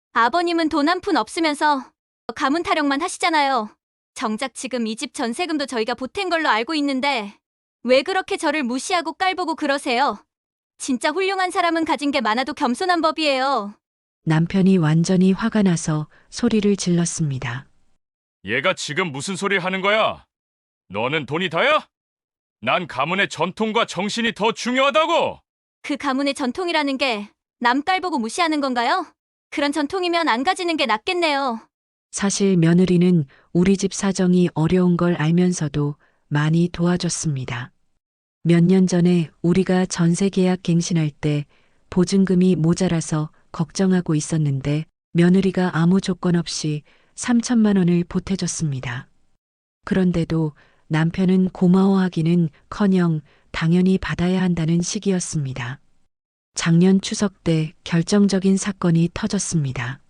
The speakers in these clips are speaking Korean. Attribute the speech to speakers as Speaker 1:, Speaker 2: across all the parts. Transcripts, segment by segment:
Speaker 1: 아버님은 돈 한 푼 없으면서 가문 타령만 하시잖아요. 정작 지금 이 집 전세금도 저희가 보탠 걸로 알고 있는데 왜 그렇게 저를 무시하고 깔보고 그러세요? 진짜 훌륭한 사람은 가진 게 많아도 겸손한 법이에요.
Speaker 2: 남편이 완전히 화가 나서 소리를 질렀습니다.
Speaker 3: 얘가 지금 무슨 소리 하는 거야? 너는 돈이 다야? 난 가문의 전통과 정신이 더 중요하다고!
Speaker 1: 그 가문의 전통이라는 게 남 깔보고 무시하는 건가요? 그런 전통이면 안 가지는 게 낫겠네요.
Speaker 2: 사실 며느리는 우리 집 사정이 어려운 걸 알면서도 많이 도와줬습니다. 몇 년 전에 우리가 전세 계약 갱신할 때 보증금이 모자라서 걱정하고 있었는데 며느리가 아무 조건 없이 3천만 원을 보태줬습니다. 그런데도 남편은 고마워하기는 커녕 당연히 받아야 한다는 식이었습니다. 작년 추석 때 결정적인 사건이 터졌습니다.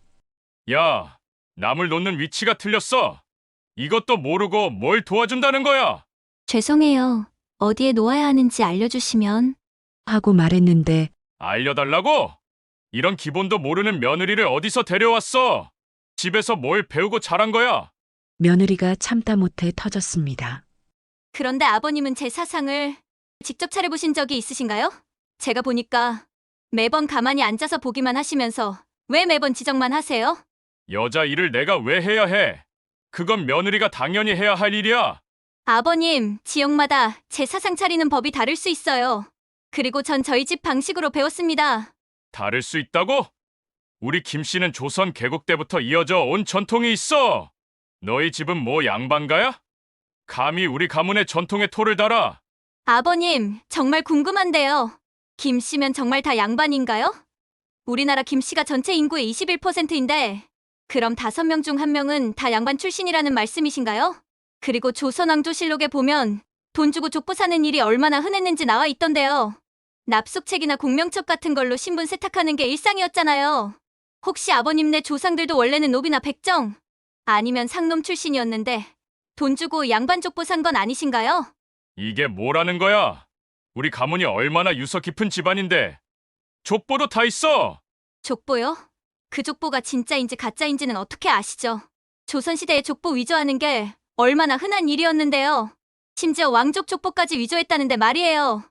Speaker 3: 야, 남을 놓는 위치가 틀렸어. 이것도 모르고 뭘 도와준다는 거야?
Speaker 1: 죄송해요. 어디에 놓아야 하는지 알려주시면.
Speaker 2: 하고 말했는데
Speaker 3: 알려달라고? 이런 기본도 모르는 며느리를 어디서 데려왔어? 집에서 뭘 배우고 자란 거야?
Speaker 2: 며느리가 참다 못해 터졌습니다.
Speaker 1: 그런데 아버님은 제 사상을 직접 차려보신 적이 있으신가요? 제가 보니까 매번 가만히 앉아서 보기만 하시면서 왜 매번 지적만 하세요?
Speaker 3: 여자 일을 내가 왜 해야 해? 그건 며느리가 당연히 해야 할 일이야.
Speaker 1: 아버님, 지역마다 제 사상 차리는 법이 다를 수 있어요. 그리고 전 저희 집 방식으로 배웠습니다.
Speaker 3: 다를 수 있다고? 우리 김 씨는 조선 개국 때부터 이어져 온 전통이 있어. 너희 집은 뭐 양반가야? 감히 우리 가문의 전통에 토를 달아.
Speaker 1: 아버님, 정말 궁금한데요. 김 씨면 정말 다 양반인가요? 우리나라 김 씨가 전체 인구의 21%인데 그럼 5명 중 1명은 다 양반 출신이라는 말씀이신가요? 그리고 조선왕조실록에 보면 돈 주고 족보 사는 일이 얼마나 흔했는지 나와 있던데요. 납속책이나 공명첩 같은 걸로 신분 세탁하는 게 일상이었잖아요. 혹시 아버님네 조상들도 원래는 노비나 백정 아니면 상놈 출신이었는데 돈 주고 양반 족보 산 건 아니신가요?
Speaker 3: 이게 뭐라는 거야? 우리 가문이 얼마나 유서 깊은 집안인데 족보도 다 있어.
Speaker 1: 족보요? 그 족보가 진짜인지 가짜인지는 어떻게 아시죠? 조선시대에 족보 위조하는 게 얼마나 흔한 일이었는데요. 심지어 왕족 족보까지 위조했다는데 말이에요.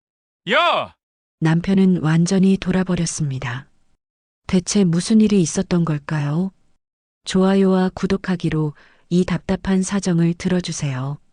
Speaker 3: 야!
Speaker 2: 남편은 완전히 돌아버렸습니다. 대체 무슨 일이 있었던 걸까요? 좋아요와 구독하기로 이 답답한 사정을 들어주세요.